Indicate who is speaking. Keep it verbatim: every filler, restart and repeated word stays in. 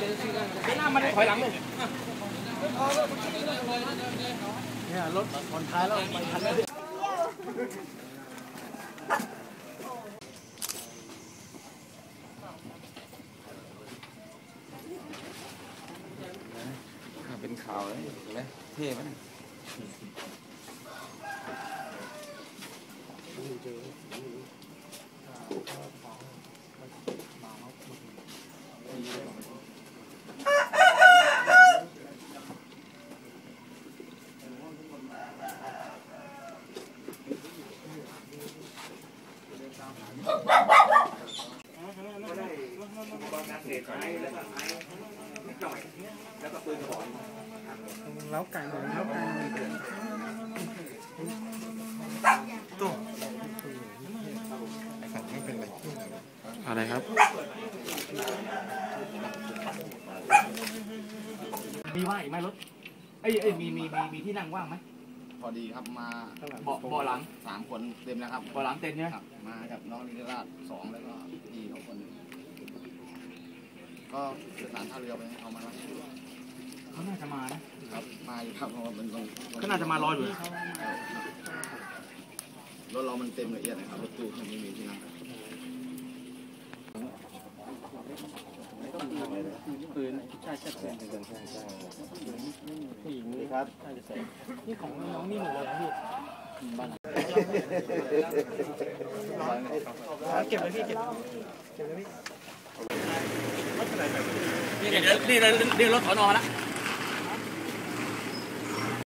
Speaker 1: หน้ามันถอยหลังเลย
Speaker 2: เนี่ยรถผ่อนท้ายแล้วไปทันแล้ว
Speaker 3: เป็นข่าวเลยเห็นไหมเท่ไหม
Speaker 2: แล้วไก่หมดแล้วไก่ตัวไม่เป็นไร
Speaker 3: อะไรครับ
Speaker 1: มีว่างอีกไหมรถเอ้ยเอ้ยมีมีมีมีที่นั่งว่างไหม
Speaker 4: พอดีครับมา
Speaker 1: เบาะเบาะหลัง
Speaker 4: สามคนเต็มแล้วครับ
Speaker 1: เบาะหลังเต็มเนี่ย
Speaker 4: มากับน้องนิราชสองแล้วก็พี่เขาคนหนึ่งก็สื่อสารท่าเรือไปให้เขามาแล้ว
Speaker 1: เขาน่าจะมานะครับ
Speaker 4: มาอยู่ครับเพราะว่ามันตรง
Speaker 1: เขาน่าจะมารออยู่
Speaker 4: รถเรามันเต็มละเอียดนะครับรถตู้มันไม่มีที่นั่ง
Speaker 2: ปืนใช่ใช่ใช่ใช่ใช่ใช่ผู้หญิงนี่ครับใช่ใช่นี่ของน้องนี่หมดเลยพี่บ้านเก็บเลยพี่เก็บเก็บเลยพี่
Speaker 1: นี่เดี๋ยวนี่เดี๋ยวรถถอนออกแล้ว